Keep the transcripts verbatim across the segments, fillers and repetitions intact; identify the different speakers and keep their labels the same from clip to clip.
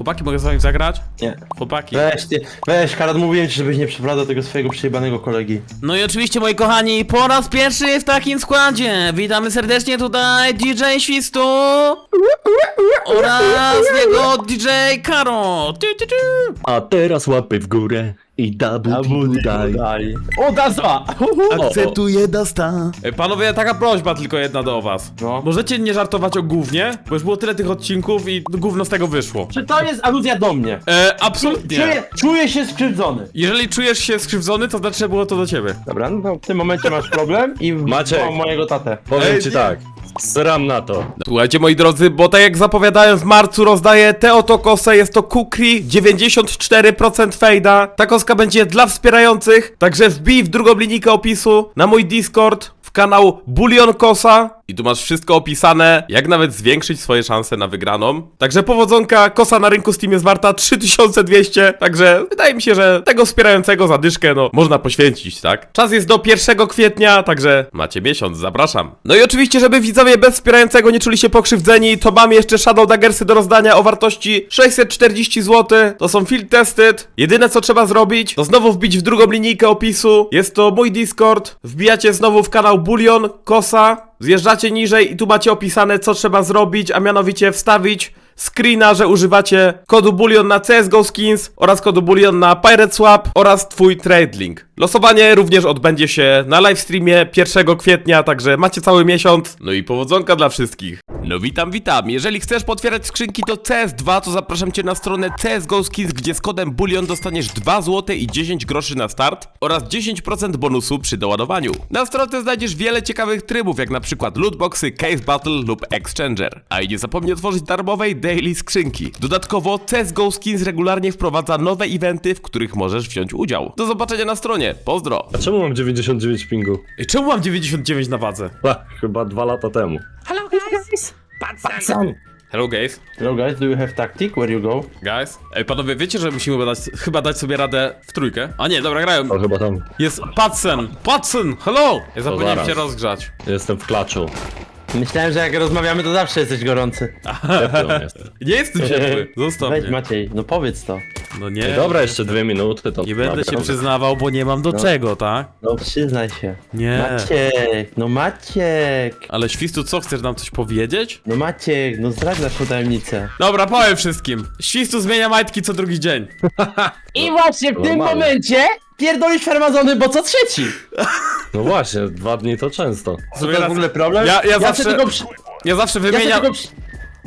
Speaker 1: Chłopaki, mogę z wami zagrać?
Speaker 2: Nie.
Speaker 1: Chłopaki.
Speaker 2: Weź ty, weź, Karol, mówiłem ci, żebyś nie przeprowadzał tego swojego przejebanego kolegi.
Speaker 1: No i oczywiście, moi kochani, po raz pierwszy w takim składzie witamy serdecznie tutaj D J Świstu oraz jego D J Karo. Ty, ty, ty.
Speaker 3: A teraz łapy w górę i dabu daj.
Speaker 2: daj. O, Dazwa!
Speaker 1: Akceptuję Dasta. E, Panowie, taka prośba tylko jedna do was.
Speaker 2: No.
Speaker 1: Możecie nie żartować o gównie, bo już było tyle tych odcinków i gówno z tego wyszło.
Speaker 2: Czy to jest aluzja do mnie?
Speaker 1: E, absolutnie.
Speaker 2: Czuję, czuję się skrzywdzony.
Speaker 1: Jeżeli czujesz się skrzywdzony, to znaczy, że było to do ciebie.
Speaker 2: Dobra, no to w tym momencie masz problem i
Speaker 3: Maciek.
Speaker 2: mam mojego tatę.
Speaker 3: Powiem
Speaker 1: Ej,
Speaker 3: ci
Speaker 1: nie.
Speaker 3: tak, sram na to.
Speaker 1: Słuchajcie, moi drodzy, bo tak jak zapowiadałem, w marcu rozdaję tę oto kosę, jest to Kukri, dziewięćdziesiąt cztery procent fejda. Ta koska będzie dla wspierających, także wbij w drugą linijkę opisu na mój Discord, w kanał Bulion Kosa i tu masz wszystko opisane, jak nawet zwiększyć swoje szanse na wygraną. Także powodzonka, kosa na rynku Steam jest warta trzy tysiące dwieście, także wydaje mi się, że tego wspierającego zadyszkę, no, można poświęcić, tak? Czas jest do pierwszego kwietnia, także macie miesiąc, zapraszam. No i oczywiście, żeby widzowie bez wspierającego nie czuli się pokrzywdzeni, to mamy jeszcze Shadow Daggersy do rozdania o wartości sześćset czterdzieści złotych. To są field tested. Jedyne co trzeba zrobić, to znowu wbić w drugą linijkę opisu. Jest to mój Discord. Wbijacie znowu w kanał Bulion Kosa. Zjeżdżacie niżej i tu macie opisane, co trzeba zrobić, a mianowicie wstawić screena, że używacie kodu Bulion na C S G O Skins oraz kodu Bulion na Pirate Swap oraz twój trade link. Losowanie również odbędzie się na livestreamie pierwszego kwietnia, także macie cały miesiąc. No i powodzonka dla wszystkich. No witam, witam. Jeżeli chcesz potwierać skrzynki do C S dwa, to zapraszam cię na stronę C S G O Skins, gdzie z kodem Bulion dostaniesz dwa złote i dziesięć groszy na start oraz dziesięć procent bonusu przy doładowaniu. Na stronie znajdziesz wiele ciekawych trybów, jak na przykład lootboxy, case battle lub exchanger. A i nie zapomnij otworzyć darmowej daily skrzynki. Dodatkowo C S G O Skins regularnie wprowadza nowe eventy, w których możesz wziąć udział. Do zobaczenia na stronie. Pozdro.
Speaker 3: A czemu mam dziewięćdziesiąt dziewięć pingu?
Speaker 1: Ej, czemu mam dziewięćdziesiąt dziewięć na wadze?
Speaker 3: Ha, chyba dwa lata temu.
Speaker 1: Hello guys!
Speaker 2: Sam.
Speaker 1: Hello guys.
Speaker 2: Hello guys, do you have tactic? Where you go?
Speaker 1: Guys. Ej, panowie, wiecie, że musimy dać, chyba dać sobie radę w trójkę? A nie, dobra, grają.
Speaker 3: To chyba tam.
Speaker 1: Jest Patsen! Patsen! Hello! Ja zapomniałem
Speaker 3: zaraz.
Speaker 1: się rozgrzać.
Speaker 3: Jestem w klaczu.
Speaker 2: Myślałem, że jak rozmawiamy, to zawsze jesteś gorący.
Speaker 3: Ciepły on jest.
Speaker 1: Nie jestem ciepły, zostaw
Speaker 2: Weź
Speaker 1: mnie.
Speaker 2: Maciej, no powiedz to.
Speaker 1: No nie.
Speaker 3: Dobra, jeszcze dwie minuty to...
Speaker 1: Nie będę się
Speaker 3: naprawdę.
Speaker 1: przyznawał, bo nie mam do czego, tak?
Speaker 2: No przyznaj się.
Speaker 1: Nie.
Speaker 2: Maciek, no Maciek.
Speaker 1: Ale Świstu, co, chcesz nam coś powiedzieć?
Speaker 2: No Maciek, no zdradź naszą tajemnicę.
Speaker 1: Dobra, powiem wszystkim. Świstu zmienia majtki co drugi dzień.
Speaker 2: I właśnie w tym
Speaker 3: Normalnie.
Speaker 2: momencie pierdolisz farmazony, bo co trzeci.
Speaker 3: No właśnie, dwa dni to często.
Speaker 2: To jest w ogóle problem?
Speaker 1: Ja- ja zawsze-
Speaker 2: sobie tylko przy...
Speaker 1: Ja zawsze
Speaker 2: Ja sobie
Speaker 1: wymieniam...
Speaker 2: tylko przy...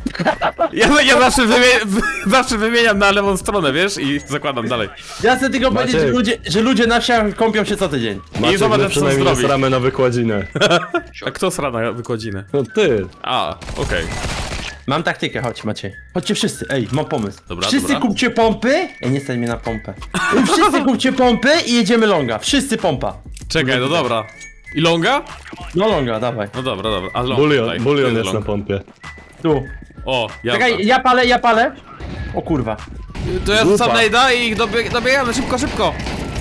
Speaker 1: Ja, ja zawsze, wymie... zawsze wymieniam na lewą stronę, wiesz? I zakładam dalej.
Speaker 2: Ja chcę tylko
Speaker 3: Maciek.
Speaker 2: powiedzieć, że ludzie, że ludzie na wsiach kąpią się co tydzień.
Speaker 3: Maciek,
Speaker 1: zobacz,
Speaker 3: my
Speaker 1: co
Speaker 3: przynajmniej
Speaker 1: zrobi.
Speaker 3: nie sramy na wykładzinę.
Speaker 1: A kto sra na wykładzinę?
Speaker 3: No ty.
Speaker 1: A, okej.
Speaker 2: Mam taktykę, chodź Maciej. Chodźcie wszyscy, ej, mam pomysł.
Speaker 1: Dobra,
Speaker 2: wszyscy
Speaker 1: dobra.
Speaker 2: kupcie pompy. Ej, nie stać mnie na pompę. Wszyscy kupcie pompy i jedziemy longa. Wszyscy pompa.
Speaker 1: Czekaj, no dobra. I longa?
Speaker 2: No longa, dawaj.
Speaker 1: No dobra, dobra. A long,
Speaker 3: Bulion,
Speaker 1: tutaj.
Speaker 3: bulion
Speaker 1: Tu
Speaker 3: jest na
Speaker 1: long.
Speaker 3: pompie.
Speaker 2: Tu.
Speaker 1: O, ja.
Speaker 2: Czekaj, ja palę, ja palę. O kurwa.
Speaker 1: To ja rzucam najda i dobieg dobiegamy szybko, szybko.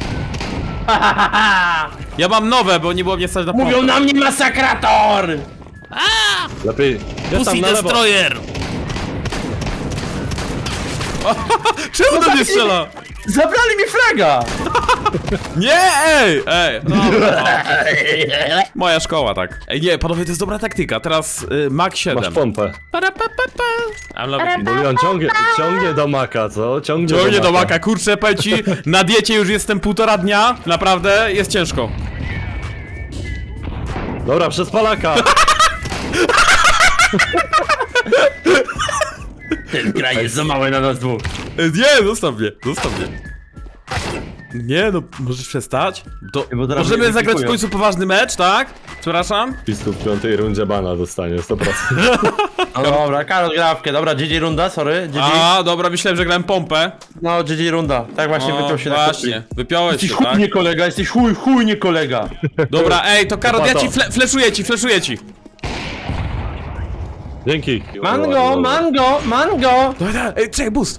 Speaker 1: Ja mam nowe, bo nie było mnie stać na
Speaker 2: Mówią na mnie masakrator!
Speaker 3: Lepiej... Jest tam
Speaker 1: Pussy
Speaker 3: na lewo.
Speaker 1: Destroyer! Czemu do mnie strzela?
Speaker 2: Zabrali mi fraga!
Speaker 1: Nie, ej, ej, dobra. Moja szkoła, tak. Ej, nie, panowie, to jest dobra taktyka. Teraz y, Mach siedem.
Speaker 3: Masz pompę.
Speaker 1: Para, pa, pa, pa. I'm love it.
Speaker 3: Bulion ciągnie, ciągnie do maka, co? Ciągnie,
Speaker 1: Ciągnie do maka, kurczę, powiem ci, na diecie już jestem półtora dnia, naprawdę jest ciężko.
Speaker 3: Dobra, przez Palaka.
Speaker 2: Ten kraj jest za mały na nas dwóch.
Speaker 1: E, Nie, zostaw mnie, zostaw mnie. Nie, no, możesz przestać? To
Speaker 2: Bo zaraz
Speaker 1: możemy
Speaker 2: mnie
Speaker 1: zagrać w
Speaker 2: wykupują.
Speaker 1: końcu poważny mecz, tak? Przepraszam?
Speaker 3: Pisku w piątej rundzie bana dostanie, sto procent.
Speaker 2: No dobra, Karol grawkę. Dobra, G G runda, sorry. G G.
Speaker 1: A, dobra, myślałem, że grałem pompę.
Speaker 2: No, G G runda. Tak właśnie
Speaker 1: O,
Speaker 2: wypiął się na
Speaker 1: właśnie,
Speaker 2: kopii.
Speaker 1: wypiąłeś
Speaker 2: Jesteś
Speaker 1: się,
Speaker 2: chuj
Speaker 1: tak?
Speaker 2: nie kolega, jesteś chuj, chuj nie kolega.
Speaker 1: Dobra, ej, to Karol, ja
Speaker 3: Pato.
Speaker 1: ci fle fleszuję ci, fleszuję ci.
Speaker 3: Dzięki.
Speaker 2: Mango, mango, mango!
Speaker 1: Dawaj, dawaj, ej, czekaj, boost.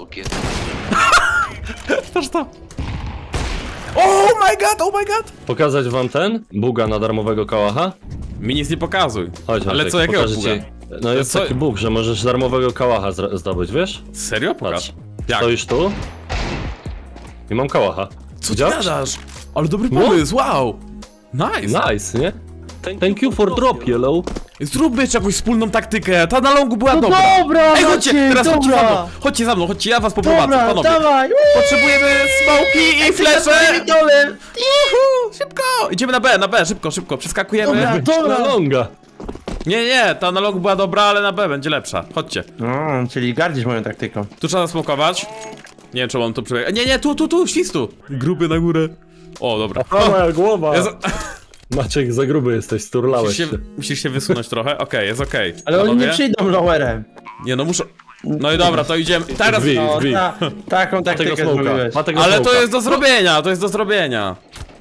Speaker 1: Patrz to. Oh my god, oh my god.
Speaker 3: Pokazać wam ten? Buga na darmowego kałacha?
Speaker 1: Mi nic nie pokazuj.
Speaker 3: Chodź,
Speaker 1: Ale
Speaker 3: Maciek,
Speaker 1: co, jakiego
Speaker 3: pokażę
Speaker 1: buga?
Speaker 3: ci. No jest
Speaker 1: Co?
Speaker 3: taki bóg, że możesz darmowego kałacha zra- zdobyć, wiesz?
Speaker 1: Serio? Pokaż.
Speaker 3: Patrz.
Speaker 1: Jak?
Speaker 3: Stoisz tu? I mam kałacha.
Speaker 1: Co ty
Speaker 3: Widziałeś?
Speaker 1: gadasz? Ale dobry
Speaker 3: No.
Speaker 1: pomysł, wow! Nice!
Speaker 3: Nice, nie? Thank you for drop, yellow.
Speaker 1: Zróbmy jeszcze jakąś wspólną taktykę, ta na longu była
Speaker 2: No
Speaker 1: dobra!
Speaker 2: dobra,
Speaker 1: Ej, chodźcie,
Speaker 2: Maciek,
Speaker 1: teraz chodźcie za
Speaker 2: dobra.
Speaker 1: mną! Chodźcie za mną, chodźcie, ja was poprowadzę,
Speaker 2: Dobra,
Speaker 1: panowie!
Speaker 2: dawaj!
Speaker 1: Potrzebujemy smoki i flesze!
Speaker 2: Dole.
Speaker 1: Juhu, szybko! Idziemy na B, na B, szybko, szybko, przeskakujemy.
Speaker 2: Dobra.
Speaker 3: Dobra, longa.
Speaker 1: Nie, nie, ta na longu była dobra, ale na B będzie lepsza. Chodźcie.
Speaker 2: No, czyli gardzisz moją taktyką.
Speaker 1: Tu trzeba zasmokować. Nie wiem, czy mam tu przebiegać. Nie, nie, tu, tu, tu, świstu! Gruby na górę. O, dobra.
Speaker 3: O, moja głowa.
Speaker 1: Ja za...
Speaker 3: Maciek, za gruby jesteś,
Speaker 1: musisz,
Speaker 3: sturlałeś
Speaker 1: się,
Speaker 3: się.
Speaker 1: musisz się wysunąć trochę. Okej, jest okej.
Speaker 2: Ale oni
Speaker 1: Panowie?
Speaker 2: nie przyjdą lowerem.
Speaker 1: Nie, no muszę... No i dobra, to idziemy. Teraz...
Speaker 3: Drzwi.
Speaker 2: No,
Speaker 3: Drzwi.
Speaker 2: ta, taką
Speaker 3: Ma tego
Speaker 2: taktykę
Speaker 3: smoka.
Speaker 2: zrobiłeś.
Speaker 3: Ma tego
Speaker 1: Ale to
Speaker 3: smoka.
Speaker 1: jest do zrobienia, to jest do zrobienia.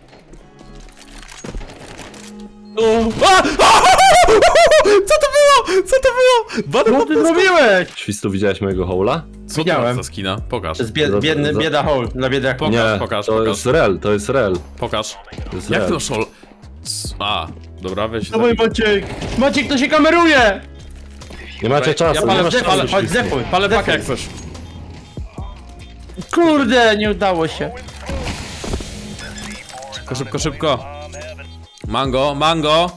Speaker 1: A! A! Co to było? Co to było? Badę
Speaker 2: Co ty zrobiłeś?
Speaker 3: Świstu, widziałeś mojego hola?
Speaker 1: Co to
Speaker 2: Widziałem.
Speaker 1: za skina? Pokaż.
Speaker 2: To jest bied,
Speaker 3: Za-
Speaker 2: biedny,
Speaker 3: za-
Speaker 2: bieda hole dla biedaków.
Speaker 1: Pokaż,
Speaker 3: Nie,
Speaker 1: pokaż,
Speaker 3: to
Speaker 1: pokaż.
Speaker 3: jest rel, to jest rel.
Speaker 1: Pokaż.
Speaker 3: To jest
Speaker 1: Jak
Speaker 3: rel.
Speaker 1: to szol... C- A, dobra, weź...
Speaker 2: Dawaj Maciek! Maciek, to się kameruje!
Speaker 3: Nie macie czasu,
Speaker 1: Ja
Speaker 3: nie
Speaker 1: palę
Speaker 3: masz
Speaker 1: zdef-
Speaker 3: czasu.
Speaker 1: ale-
Speaker 2: Chodź,
Speaker 3: Świstu.
Speaker 2: zefuj.
Speaker 1: Palę
Speaker 2: zefuj.
Speaker 1: pakę jak coś.
Speaker 2: Kurde, nie udało się.
Speaker 1: Szybko, szybko, szybko. Mango, mango.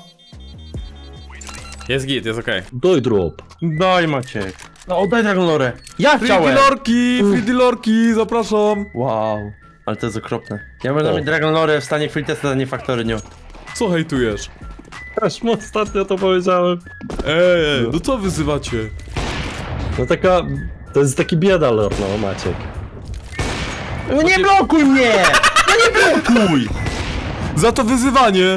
Speaker 1: Jest git, jest okej.
Speaker 3: Doj drop.
Speaker 2: Daj Maciek. No oddaj Dragon Lore. Ja
Speaker 1: Free
Speaker 2: chciałem!
Speaker 1: dealerki, free dealerki, zapraszam.
Speaker 2: Wow. Ale to jest okropne. Ja będę
Speaker 3: O.
Speaker 2: mieć Dragon Lore w stanie free testa, a nie Factory New.
Speaker 1: Co hejtujesz?
Speaker 3: Aż mu ostatnio to powiedziałem.
Speaker 1: Ej, no co wyzywacie?
Speaker 3: No taka... To jest taki biedalor, no Maciek.
Speaker 2: No nie blokuj mnie! No nie blokuj!
Speaker 1: Za to wyzywanie.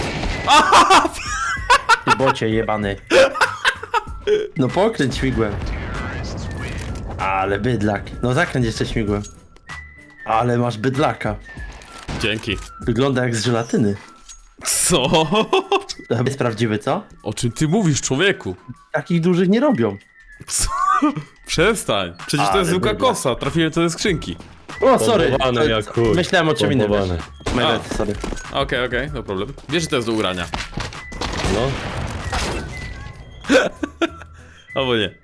Speaker 2: Ty bocie jebany. No pokręć śmigłem. Ale bydlak. No zakręć jeszcze śmigłem. Ale masz bydlaka.
Speaker 1: Dzięki.
Speaker 2: Wygląda jak z żelatyny.
Speaker 1: Co?
Speaker 2: To jest prawdziwy, co?
Speaker 1: O czym ty mówisz, człowieku?
Speaker 2: Takich dużych nie robią.
Speaker 1: Co? Przestań. Przecież to
Speaker 2: Ale
Speaker 1: jest zwykła
Speaker 2: bydlak.
Speaker 1: kosa. Trafiłem to ze skrzynki.
Speaker 2: O, sorry.
Speaker 3: Pompowany
Speaker 2: To-
Speaker 3: jak chuj.
Speaker 2: Myślałem o czym innym. wiesz.
Speaker 3: Pompowany.
Speaker 2: My
Speaker 1: A.
Speaker 2: bad, sorry.
Speaker 1: Okej, okej, no problem. Wiesz, że to jest do ugrania.
Speaker 3: No.
Speaker 1: Albo nie.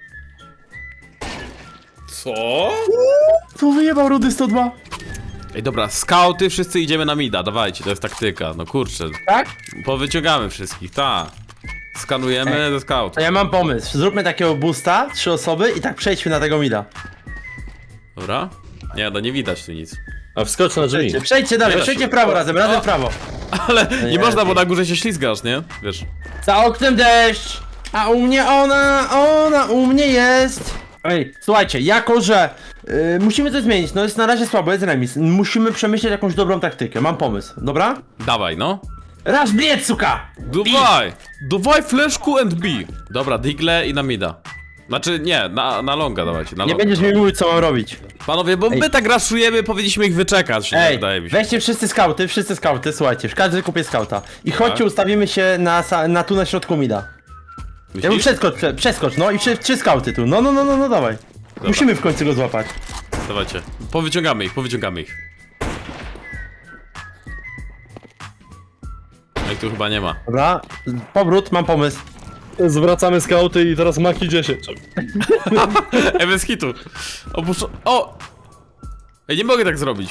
Speaker 1: Co?
Speaker 2: Co wyjebał Rudy sto dwa?
Speaker 1: Ej, dobra, skauty, wszyscy idziemy na mida, dawajcie, to jest taktyka. No kurczę,
Speaker 2: Tak?
Speaker 1: powyciągamy wszystkich, ta. Skanujemy ze scout.
Speaker 2: To ja mam pomysł. Zróbmy takiego boosta, trzy osoby i tak przejdźmy na tego mida.
Speaker 1: Dobra? Nie, no nie widać tu nic.
Speaker 3: A wskocz na drzwi.
Speaker 2: Przejdźcie, przejdźcie dalej,
Speaker 1: da
Speaker 2: przejdźcie
Speaker 1: się.
Speaker 2: w prawo razem, razem
Speaker 1: O.
Speaker 2: w prawo.
Speaker 1: Ale nie
Speaker 2: nie,
Speaker 1: można, bo
Speaker 2: nie.
Speaker 1: na górze się ślizgasz, nie? Wiesz.
Speaker 2: Za oknem deszcz, a u mnie ona, ona u mnie jest. Ej, słuchajcie, jako że y, musimy coś zmienić, no jest na razie słabo, jest remis. Musimy przemyśleć jakąś dobrą taktykę, mam pomysł, dobra?
Speaker 1: Dawaj, no.
Speaker 2: Raz bliec, suka!
Speaker 1: Dawaj! Dawaj fleszku and B. Dobra, digle i na mida. Znaczy, nie, na, na longa dawajcie, na
Speaker 2: Nie
Speaker 1: longa.
Speaker 2: będziesz mi mówić, co mam robić.
Speaker 1: Panowie, bo my tak raszujemy, powinniśmy ich wyczekać,
Speaker 2: Ej,
Speaker 1: wydaje mi się.
Speaker 2: weźcie wszyscy skauty, wszyscy skauty, słuchajcie, każdy kupie skauta. I chodźcie,
Speaker 1: Tak.
Speaker 2: ustawimy się na, sa- na tu na środku mida. Ja bym
Speaker 1: Myślisz?
Speaker 2: przeskocz, prze, przeskocz, no i trzy, trzy skauty tu, no, no, no, no, no, dawaj. Musimy w końcu go złapać.
Speaker 1: Dawajcie. Powyciągamy ich, powyciągamy ich. Ej, tu chyba nie ma.
Speaker 2: Dobra, powrót, mam pomysł.
Speaker 3: Zwracamy skauty i teraz Maki dziesięć.
Speaker 1: Ej, bez hitu. Opuszczo... O! Ej, nie mogę tak zrobić.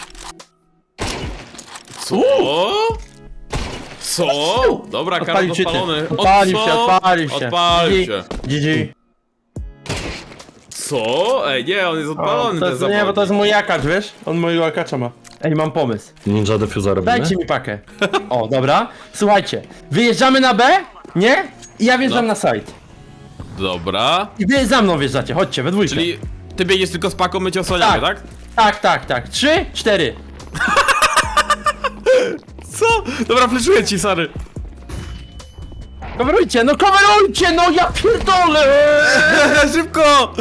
Speaker 1: Co? Co? Dobra, Karol
Speaker 2: Odpalił się,
Speaker 1: odpalony.
Speaker 2: ty. Odpalił
Speaker 1: O,
Speaker 2: się,
Speaker 1: co?
Speaker 2: odpalił się.
Speaker 1: Odpalił się.
Speaker 2: G G.
Speaker 1: Co? Ej, nie, on jest
Speaker 2: O,
Speaker 1: odpalony,
Speaker 2: to
Speaker 1: ten
Speaker 2: jest, nie, bo to jest mój jakacz, wiesz? On mojego jakacza ma. Ej, mam pomysł.
Speaker 3: Ninja Defuser robimy?
Speaker 2: Dajcie mi pakę. O, dobra. Słuchajcie, wyjeżdżamy na B, nie? I ja wjeżdżam
Speaker 1: No.
Speaker 2: na site.
Speaker 1: Dobra.
Speaker 2: I wy za mną wjeżdżacie, chodźcie, we dwójkę.
Speaker 1: Czyli ty biegniesz tylko z paką, my cię osłaniamy, tak?
Speaker 2: Tak, tak, tak. Trzy, cztery.
Speaker 1: Co? Dobra, fleszuję ci, Sary.
Speaker 2: Coverujcie, no coverujcie, no ja pierdolę!
Speaker 1: Szybko!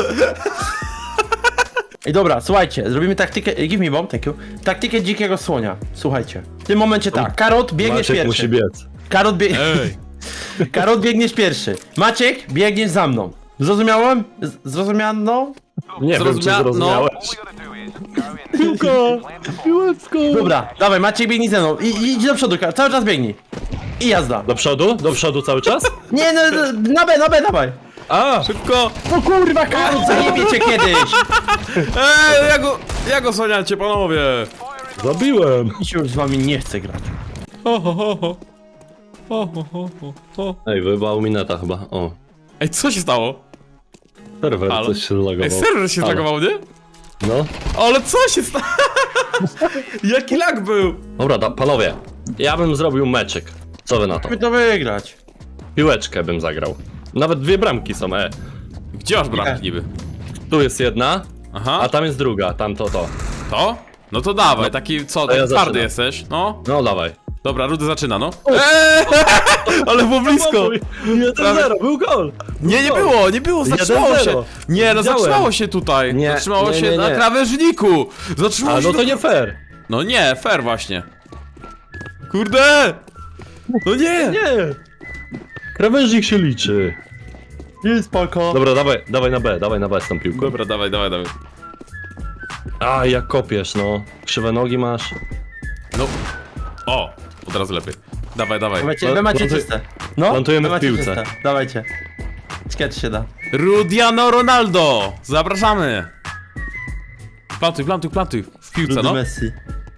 Speaker 2: Ej, dobra, słuchajcie, zrobimy taktykę, ej, give me bomb, thank you. Taktykę dzikiego słonia, słuchajcie. W tym momencie tak, Karot biegniesz
Speaker 3: Maciek musi
Speaker 2: pierwszy.
Speaker 3: biec.
Speaker 2: Karot, bie...
Speaker 1: Ej.
Speaker 2: Karot biegniesz pierwszy. Maciek, biegniesz za mną. Zrozumiałem? Z- Zrozumiano?
Speaker 3: Nie wiem, czy
Speaker 1: Zrozumia- no.
Speaker 3: zrozumiałeś. Piłko! Piłeczko!
Speaker 2: Dobra, dawaj, Maciek biegnij ze mną. I, i idź do przodu, Karol, cały czas biegnij. I jazda.
Speaker 3: Do przodu? Do przodu cały czas?
Speaker 2: Nie, no, no, na B, na B, dawaj.
Speaker 3: A!
Speaker 1: Szybko!
Speaker 2: No kurwa, Karol, zajebie cię kiedyś!
Speaker 1: Eee, ja go, ja go słaniacie, panowie!
Speaker 3: Zabiłem!
Speaker 2: Mi się już z wami nie chce grać.
Speaker 1: Ho, ho, ho, ho. Ho, ho, ho, ho, ho.
Speaker 3: Ej, wyjebał mi neta chyba, o.
Speaker 1: Ej, co się stało?
Speaker 3: Serwer
Speaker 1: Halo?
Speaker 3: coś się zlagował.
Speaker 1: Ej, serwer się
Speaker 3: Halo.
Speaker 1: zlagował, nie?
Speaker 3: No.
Speaker 1: Ale co się stało? Jaki lag był?
Speaker 3: Dobra, da, panowie. Ja bym zrobił meczyk. Co wy na to?
Speaker 2: Musimy to wygrać.
Speaker 3: Piłeczkę bym zagrał. Nawet dwie bramki są, e.
Speaker 1: Gdzie masz bramki niby?
Speaker 3: Tu jest jedna,
Speaker 1: Aha,
Speaker 3: a tam jest druga, tam to, to.
Speaker 1: to? No to dawaj, taki co,
Speaker 3: To
Speaker 1: taki
Speaker 3: ja
Speaker 1: twardy
Speaker 3: zaczynam.
Speaker 1: jesteś, no.
Speaker 3: No dawaj.
Speaker 1: Dobra, Rudy zaczyna, no. Eee, ale było blisko.
Speaker 3: jeden zero, był gol!
Speaker 1: Nie, nie było, nie było, zatrzymało
Speaker 3: jeden
Speaker 1: się.
Speaker 3: zero.
Speaker 1: Nie, no
Speaker 3: Widziałem.
Speaker 1: zatrzymało się tutaj.
Speaker 3: Nie,
Speaker 1: Zatrzymało
Speaker 3: nie,
Speaker 1: się
Speaker 3: nie,
Speaker 1: na
Speaker 3: nie.
Speaker 1: krawężniku. Zatrzymało
Speaker 3: A
Speaker 1: się
Speaker 3: no to
Speaker 1: na-
Speaker 3: nie fair.
Speaker 1: No nie, fair właśnie. Kurde! No nie!
Speaker 3: Nie! Krawężnik się liczy.
Speaker 2: Nie, spoko.
Speaker 3: Dobra, dawaj, dawaj na B, dawaj na B z tą piłką.
Speaker 1: Dobra, dawaj, dawaj, dawaj.
Speaker 3: A, jak kopiesz, no. Krzywe nogi masz.
Speaker 1: No. O, od razu lepiej. Dawaj, dawaj.
Speaker 2: Dawajcie, wy macie
Speaker 3: Plantuj-
Speaker 2: czyste. No,
Speaker 3: plantujemy
Speaker 2: wy
Speaker 3: w
Speaker 2: macie
Speaker 3: piłce.
Speaker 2: czyste. Dawajcie. Sketch się da.
Speaker 1: Rudiano Ronaldo! Zapraszamy! Plantuj, plantuj, plantuj. W piłce,
Speaker 2: Rudy
Speaker 1: no.
Speaker 2: Messi.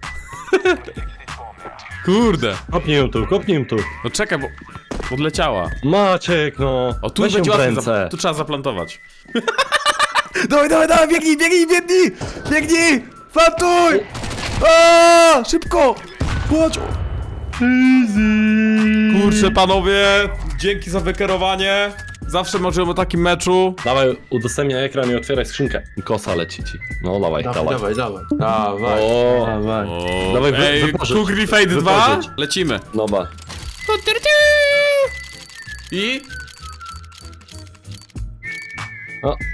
Speaker 1: Kurde.
Speaker 3: Kopnij ją tu, kopnij ją tu.
Speaker 1: No czekaj, bo odleciała.
Speaker 3: Maciek, no.
Speaker 1: O, tu
Speaker 3: Weź ją
Speaker 1: będzie
Speaker 3: w
Speaker 1: łatwiej.
Speaker 3: ręce.
Speaker 1: Za... Tu trzeba zaplantować. dawaj, dawaj, dawaj, biegnij, biegnij, biegnij! Biegnij! Plantuj! Aaaa! Szybko! Chodź! Kurczę, panowie, dzięki za wykierowanie. Zawsze możemy o takim meczu.
Speaker 3: Dawaj, udostępniaj ekran i otwieraj skrzynkę. I kosa leci ci. No dawaj, dawaj.
Speaker 2: dawaj. Dawaj.
Speaker 3: O,
Speaker 2: Dawaj.
Speaker 1: O,
Speaker 3: Dawaj, wy-
Speaker 1: ej,
Speaker 3: wypożycz.
Speaker 1: Kugri Fade dwa.
Speaker 3: Wypożycz.
Speaker 1: Lecimy.
Speaker 3: no ba.
Speaker 1: I...
Speaker 3: O,